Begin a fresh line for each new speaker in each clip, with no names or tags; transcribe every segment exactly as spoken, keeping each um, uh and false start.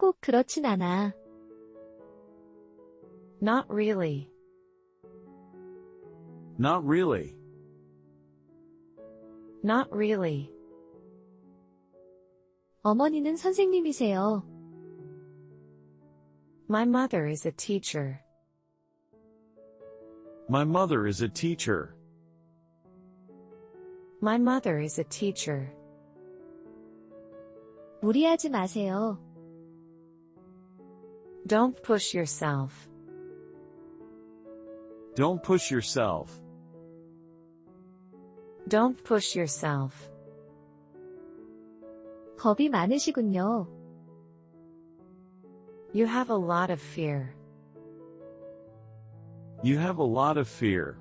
꼭 그렇진 않아.
Not really.
Not really.
Not really.
어머니는 선생님이세요.
My mother is a teacher.
My mother is a teacher.
My mother is a teacher.
무리하지 마세요.
Don't push yourself.
Don't push yourself.
Don't push yourself.
겁이 많으시군요.
You have a lot of fear.
You have a lot of fear.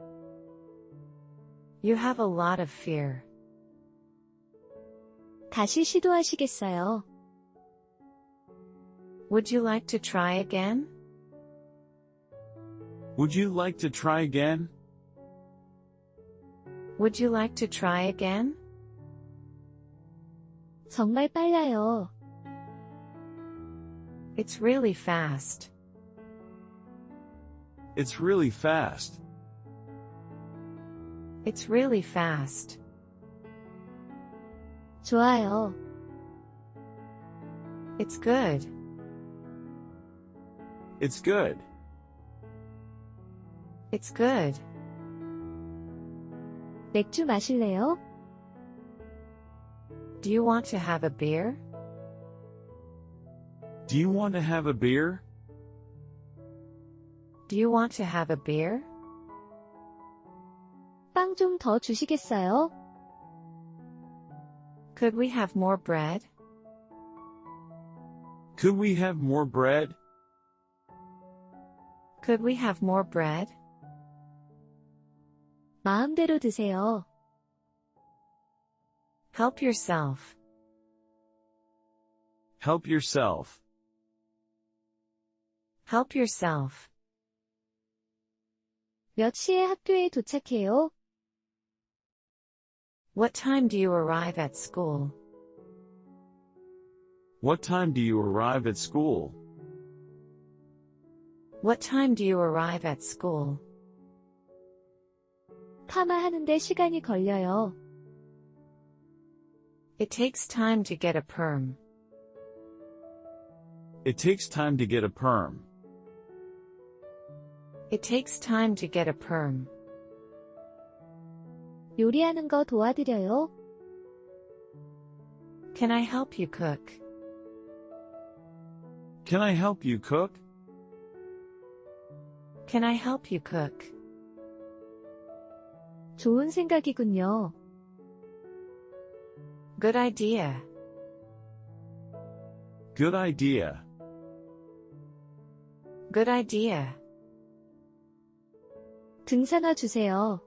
You have a lot of fear.
다시 시도하시겠어요?
Would you like to try again?
Would you like to try again?
Would you like to try again?
정말 빨라요.
It's really fast.
It's really fast.
It's really fast.
좋아요.
It's good.
It's good.
It's good.
맥주 마실래요?
Do you want to have a beer?
Do you want to have a beer?
Do you want to have a beer?
빵 좀 더 주시겠어요?
Could we have more bread?
Could we have more bread?
Could we have more bread?
마음대로 드세요.
Help yourself.
Help yourself.
Help yourself.
몇 시에 학교에 도착해요?
What time do you arrive at school?
What time do you arrive at school?
What time do you arrive at school?
파마하는데 시간이 걸려요.
It takes time to get a perm.
It takes time to get a perm.
It takes time to get a perm.
요리하는 거 도와드려요?
Can I help you cook?
Can I help you cook?
Can I help you cook?
좋은 생각이군요.
Good idea.
Good idea.
Good idea.
등산화 주세요.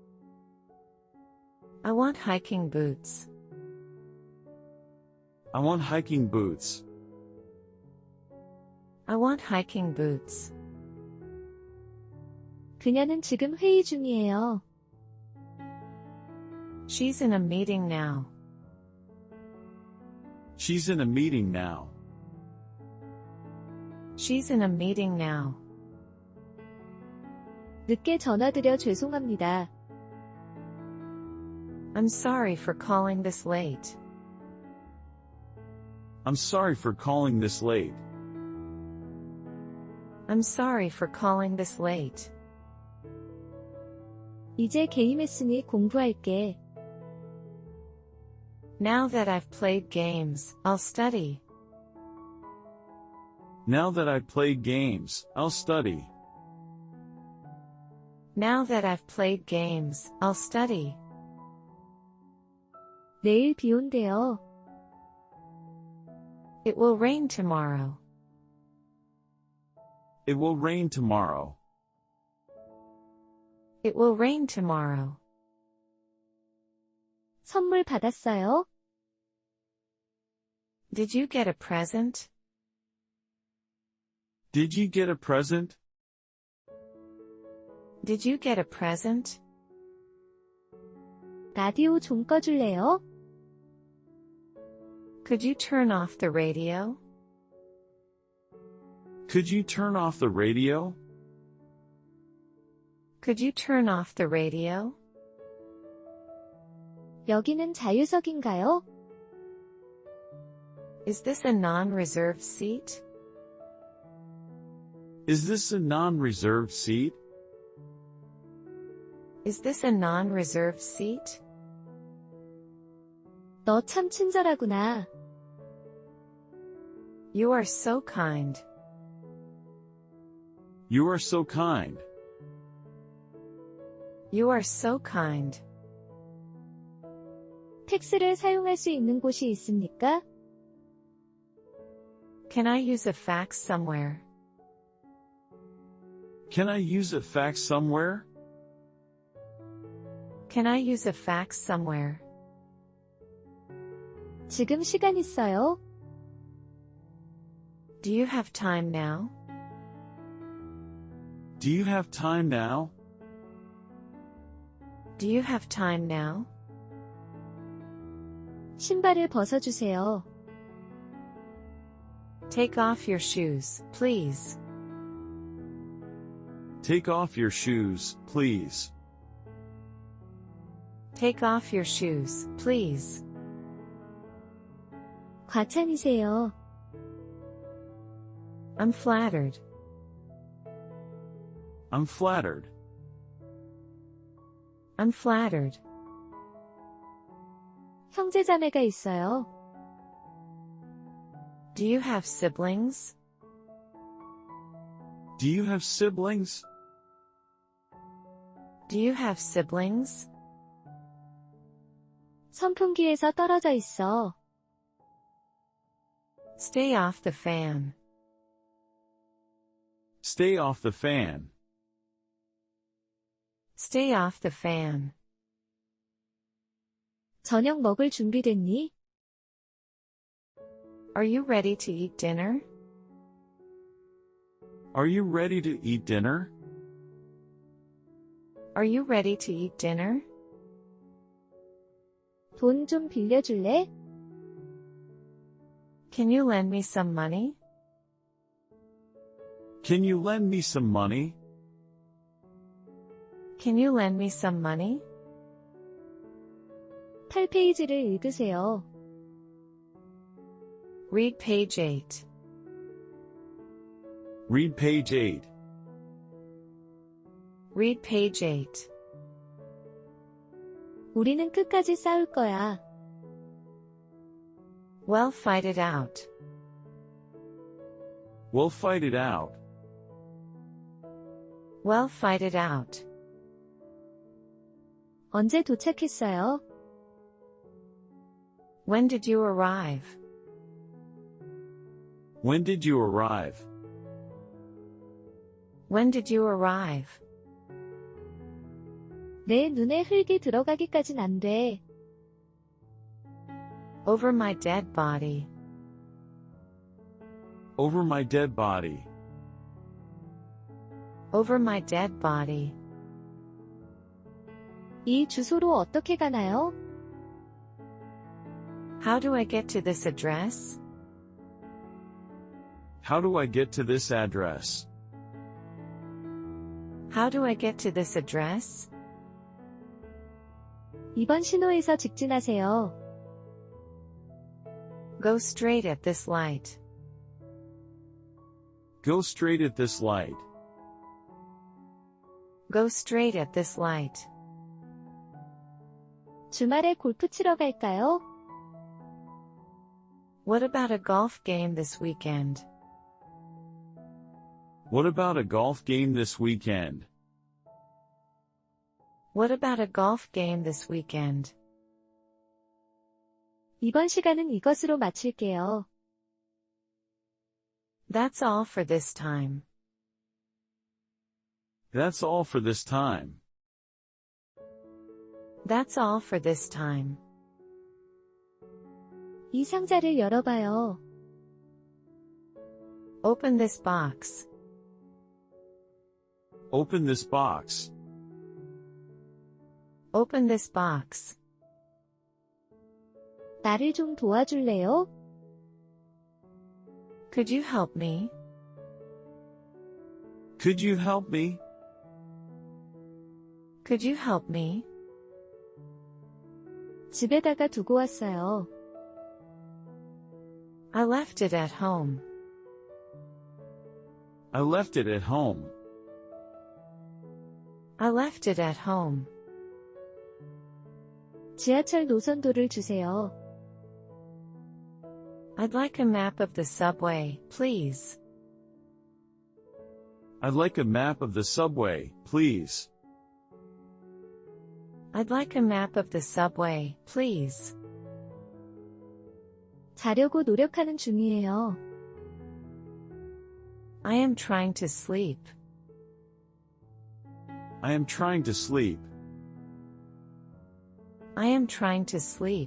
I want hiking boots.
I want hiking boots.
I want hiking boots.
그녀는 지금 회의 중이에요.
She's in a meeting now.
She's in a meeting now.
She's in a meeting now.
늦게 전화드려 죄송합니다.
I'm sorry for calling this late.
I'm sorry for calling this late.
I'm sorry for calling this late.
이제 게임했으니 공부할게.
Now that I've played games, I'll study.
Now that I've played games, I'll study.
Now that I've played games, I'll study.
내일 비 온대요.
It will rain tomorrow.
It will rain tomorrow.
It will rain tomorrow.
선물 받았어요?
Did you get a present?
Did you get a present?
Did you get a present?
라디오 좀 꺼줄래요?
Could you turn off the radio?
Could you turn off the radio?
Could you turn off the radio?
여기는 자유석인가요?
Is this a non-reserved seat?
Is this a non-reserved seat?
Is this a non-reserved seat?
너 참 친절하구나.
You are so kind.
You are so kind.
You are so kind.
팩스를 사용할 수 있는 곳이 있습니까?
Can I use a fax somewhere?
Can I use a fax somewhere?
Can I use a fax somewhere?
지금 시간 있어요?
Do you have time now?
Do you have time now?
Do you have time now?
신발을 벗어주세요.
Take off your shoes, please.
Take off your shoes, please.
Take off your shoes, please.
과찬이세요.
I'm flattered.
I'm flattered.
I'm flattered.
형제자매가 있어요.
Do you have siblings?
Do you have siblings?
Do you have siblings?
선풍기에서 떨어져 있어.
Stay off the fan.
Stay off the fan.
Stay off the fan.
저녁 먹을 준비됐니?
Are you ready to eat dinner?
Are you ready to eat dinner?
Are you ready to eat dinner?
돈 좀 빌려줄래?
Can you lend me some money?
Can you lend me some money?
Can you lend me some money?
팔 페이지를 읽으세요.
Read page eight.
Read page eight.
Read page eight.
우리는 끝까지 싸울 거야.
Well, fight it out.
We'll fight it out.
Well, fight it out.
언제 도착했어요?
When did you arrive?
When did you arrive?
When did you arrive?
내 눈에 흙이 들어가기까진 안 돼.
Over my dead body.
Over my dead body.
Over my dead body.
이 주소로 어떻게 가나요?
How do I get to this address?
How do I get to this address?
How do I get to this address?
이번 신호에서 직진하세요.
Go straight at this light.
Go straight at this light.
Go straight at this light.
주말에 골프 치러 갈까요?
What about a golf game this weekend?
What about a golf game this weekend?
What about a golf game this weekend?
이번 시간은 이것으로 마칠게요.
That's all for this time.
That's all for this time.
That's all for this time.
이 상자를 열어봐요.
Open this box.
Open this box.
Open this box.
나를 좀 도와줄래요?
Could you help me?
Could you help me?
Could you help me?
집에다가 두고 왔어요.
I left it at home.
I left it at home.
I left it at home.
지하철 노선도를 주세요.
I'd like a map of the subway, please.
I'd like a map of the subway, please.
I'd like a map of the subway, please.
자려고 노력하는 중이에요.
I am trying to sleep.
I am trying to sleep.
I am trying to sleep.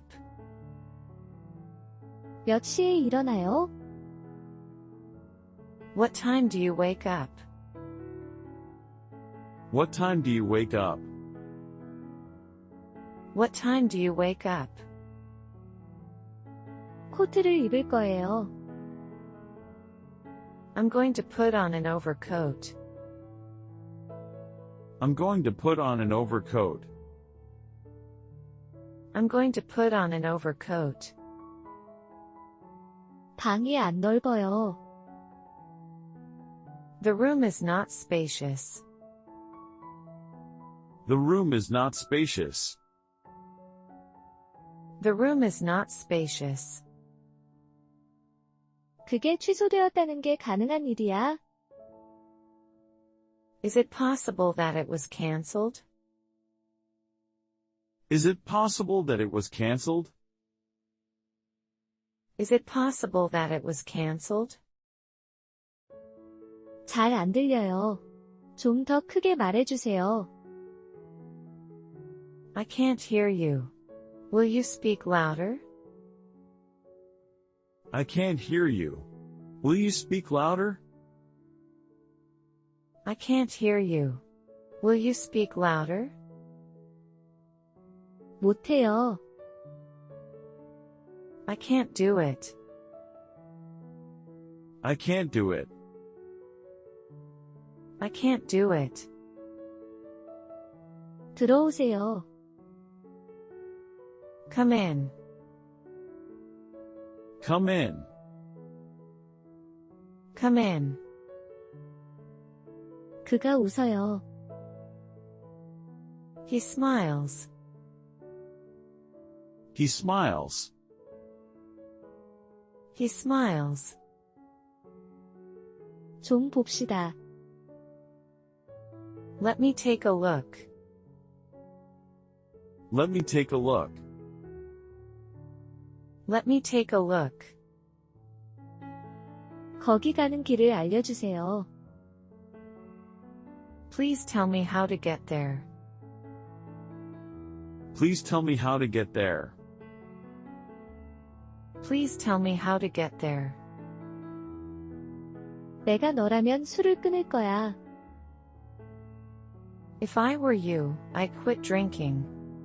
몇 시에 일어나요?
What time do you wake up?
What time do you wake up?
What time do you wake up?
코트를 입을 거예요.
I'm going to put on an overcoat.
I'm going to put on an overcoat.
I'm going to put on an overcoat.
방이 안 넓어요.
The room is not spacious.
The room is not spacious.
The room is not spacious.
그게 취소되었다는 게 가능한 일이야?
Is it possible that it was cancelled?
Is it possible that it was canceled?
Is it possible that it was cancelled?
잘 안 들려요. 좀 더 크게 말해주세요.
I can't hear you. Will you speak louder?
I can't hear you. Will you speak louder?
I can't hear you. Will you speak louder?
못해요.
I can't do it.
I can't do it.
I can't do it.
들어오세요.
Come in.
Come in.
Come in.
그가 웃어요.
He smiles.
He smiles.
He smiles.
좀 봅시다.
Let me take a look.
Let me take a look.
Let me take a look.
거기 가는 길을 알려주세요.
Please tell me how to get there.
Please tell me how to get there.
Please tell me how to get there.
내가 너라면 술을 끊을 거야.
If I were you, I'd quit drinking.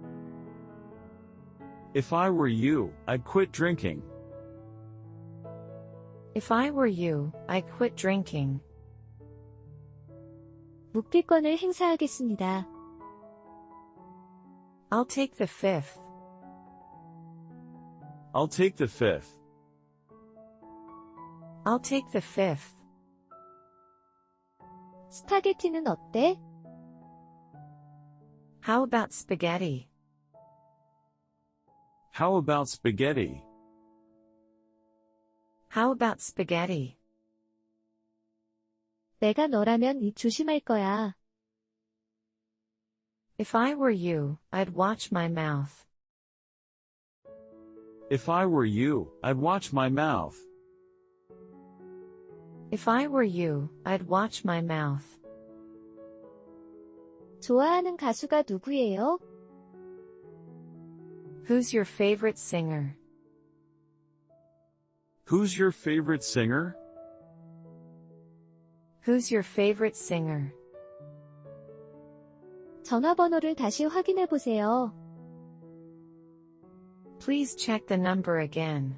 If I were you, I'd quit drinking.
If I were you, I'd quit drinking.
묵비권을 행사하겠습니다.
I'll take the fifth.
I'll take the fifth.
I'll take the fifth.
스파게티는 어때?
How about spaghetti?
How about spaghetti?
How about spaghetti?
내가 너라면 입 조심할 거야.
If I were you, I'd watch my mouth.
If I were you, I'd watch my mouth.
If I were you, I'd watch my mouth.
좋아하는 가수가 누구예요?
Who's your favorite singer?
Who's your favorite singer?
Who's your favorite singer?
전화번호를 다시 확인해 보세요.
Please check the number again.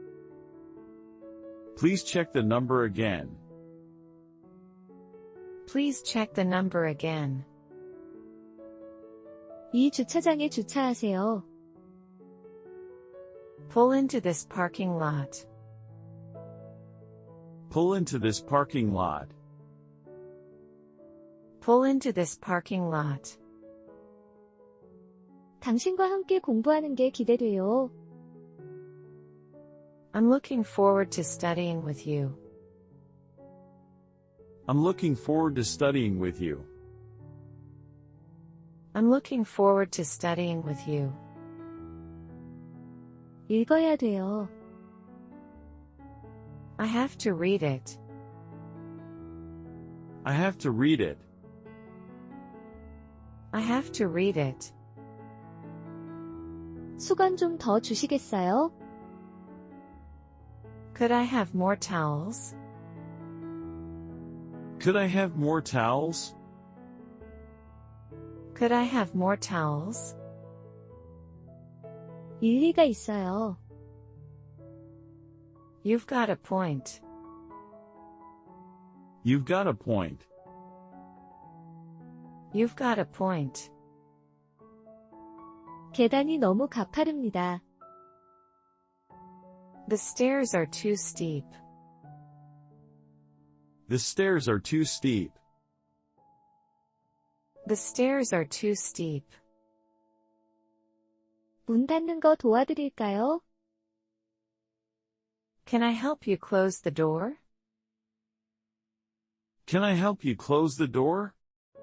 Please check the number again.
Please check the number again.
이 주차장에 주차하세요.
Pull into this parking lot.
Pull into this parking lot.
Pull into this parking lot.
당신과 함께 공부하는 게 기대돼요.
I'm looking forward to studying with you.
I'm looking forward to studying with you.
I'm looking forward to studying with you.
읽어야 돼요.
I have to read it.
I have to read it.
I have to read it.
수건 좀 더 주시겠어요?
Could I have more towels?
Could I have more towels?
Could I have more towels?
일리가 있어요.
You've got a point.
You've got a point.
You've got a point.
계단이 너무 가파릅니다.
The stairs are too steep.
The stairs are too steep.
The stairs are too steep.
문 닫는 거 도와드릴까요?
Can I help you close the door?
Can I help you close the door?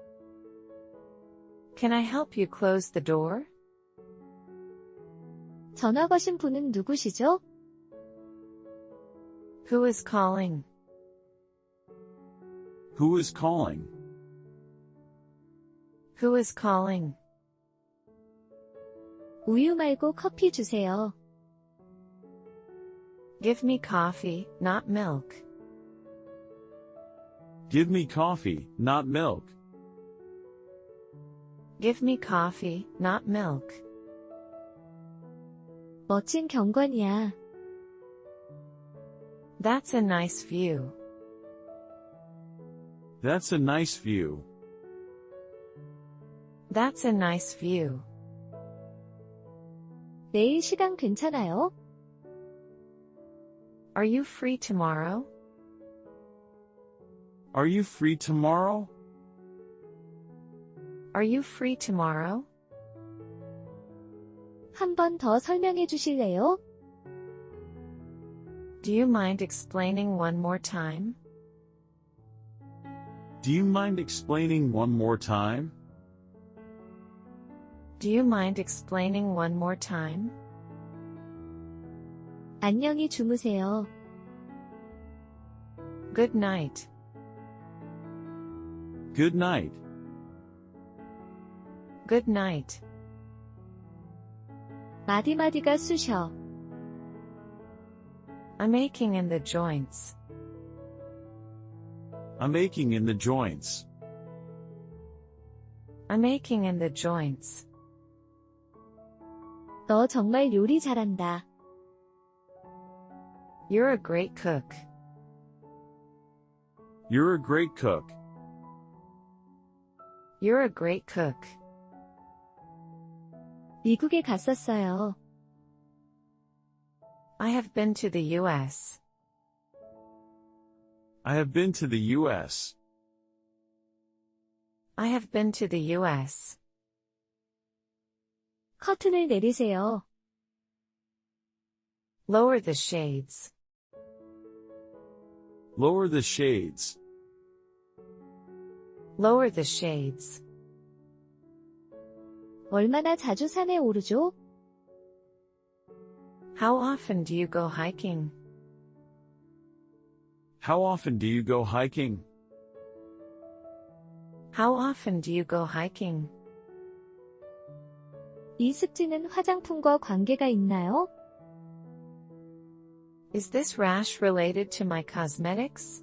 Can I help you close the door?
전화 거신 분은 누구시죠?
Who is calling?
Who is calling?
Who is calling?
우유 말고 커피 주세요.
Give me coffee, not milk.
Give me coffee, not milk.
Give me coffee, not milk.
멋진 경관이야.
That's a nice view.
That's a nice view.
That's a nice view.
내일 시간 괜찮아요?
Are you free tomorrow?
Are you free tomorrow?
Are you free tomorrow?
한 번 더 설명해 주실래요?
Do you mind explaining one more time?
Do you mind explaining one more time?
Do you mind explaining one more time?
안녕히 주무세요.
Good night.
Good night.
Good night.
마디마디가 쑤셔.
I'm aching in the joints.
I'm aching in the joints.
I'm aching in the joints.
너 정말 요리 잘한다.
You're a great cook.
You're a great cook.
You're a great cook.
미국에 갔었어요.
I have been to the U S.
I have been to the U S.
I have been to the U S.
커튼을 내리세요.
Lower the shades.
Lower the shades.
Lower the shades.
얼마나 자주 산에 오르죠?
How often do you go hiking?
How often do you go hiking?
How often do you go hiking?
이 습지는 화장품과 관계가 있나요?
Is this rash related to my cosmetics?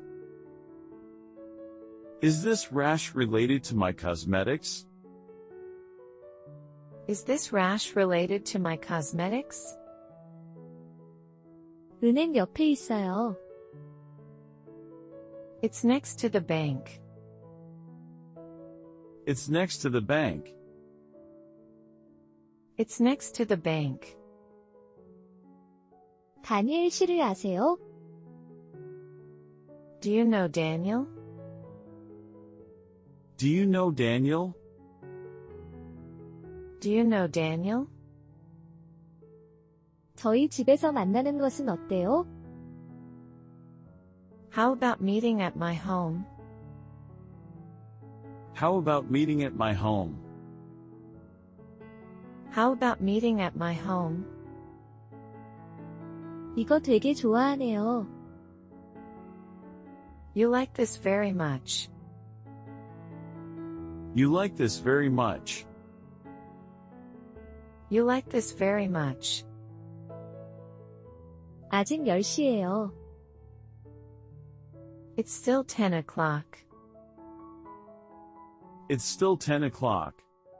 Is this rash related to my cosmetics?
Is this rash related to my cosmetics?
은행 옆에 있어요.
It's next to the bank.
It's next to the bank.
It's next to the bank.
다니엘 씨를 아세요?
Do you know Daniel?
Do you know Daniel?
Do you know Daniel?
저희 집에서 만나는 것은 어때요?
How about meeting at my home?
How about meeting at my home?
How about meeting at my home?
이거 되게 좋아하네요.
You like this very much.
You like this very much.
You like this very much.
아직 열 시예요.
It's still ten o'clock.
It's still ten o'clock.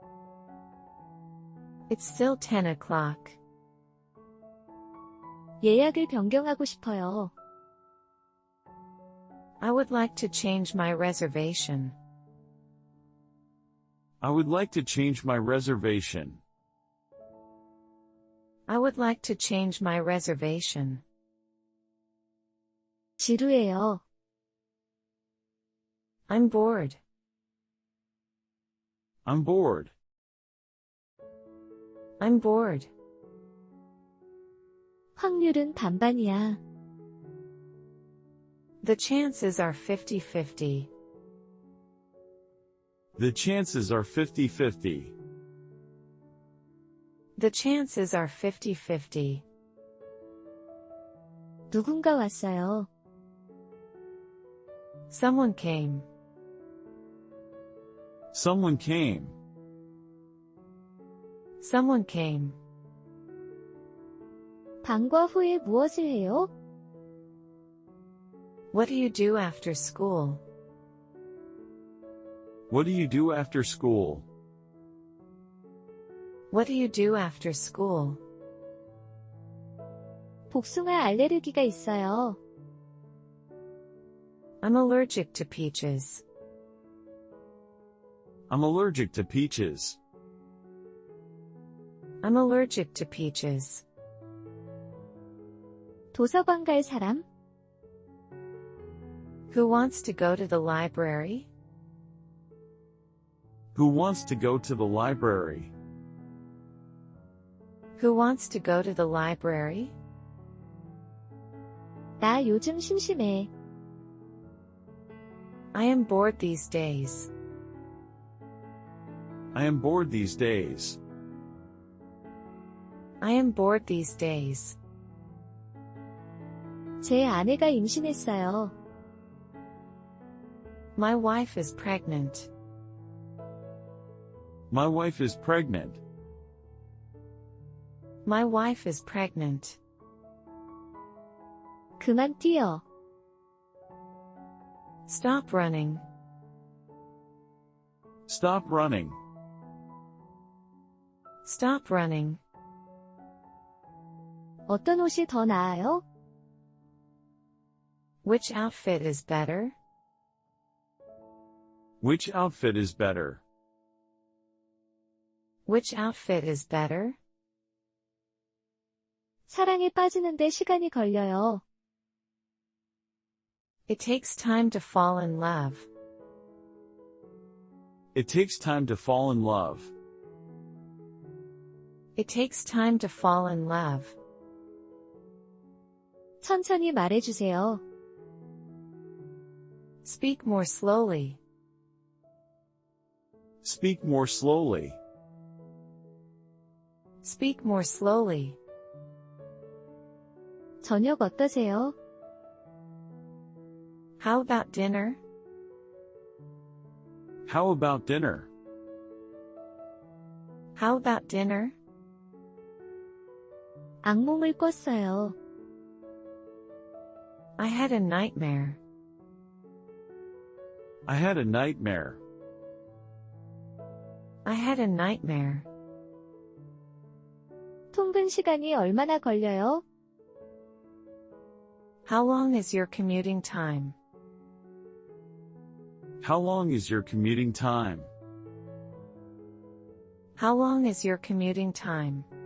It's still ten o'clock.
예약을 변경하고 싶어요.
I would like to change my reservation.
I would like to change my reservation.
I would like to change my reservation.
지루해요.
I'm bored.
I'm bored.
I'm bored.
확률은 반반이야.
The chances are fifty-fifty.
The chances are fifty-fifty.
The chances are fifty-fifty.
누군가 왔어요.
Someone came.
Someone came.
Someone came.
방과 후에 무엇을 해요?
What do you do after school?
What do you do after school?
What do you do after school?
복숭아 알레르기가 있어요.
I'm allergic to peaches.
I'm allergic to peaches.
I'm allergic to peaches.
도서관 갈 사람?
Who wants to go to the library?
Who wants to go to the library?
Who wants to go to the library?
나 요즘 심심해.
I am bored these days.
I am bored these days.
I am bored these days.
제 아내가 임신했어요.
My wife is pregnant.
My wife is pregnant.
My wife is pregnant.
그만 뛰어.
Stop running.
Stop running.
Stop running.
어떤 옷이 더 나아요?
Which outfit is better?
Which outfit is better?
Which outfit is better?
사랑에 빠지는데 시간이 걸려요.
It takes time to fall in love.
It takes time to fall in love.
It takes time to fall in love.
천천히 말해주세요.
Speak more slowly.
Speak more slowly.
Speak more slowly.
저녁 어떠세요?
How about dinner?
How about dinner?
How about dinner?
악몽을 꿨어요.
I had a nightmare.
I had a nightmare.
I had a nightmare.
통근 시간이 얼마나 걸려요?
How long is your commuting time?
How long is your commuting time?
How long is your commuting time?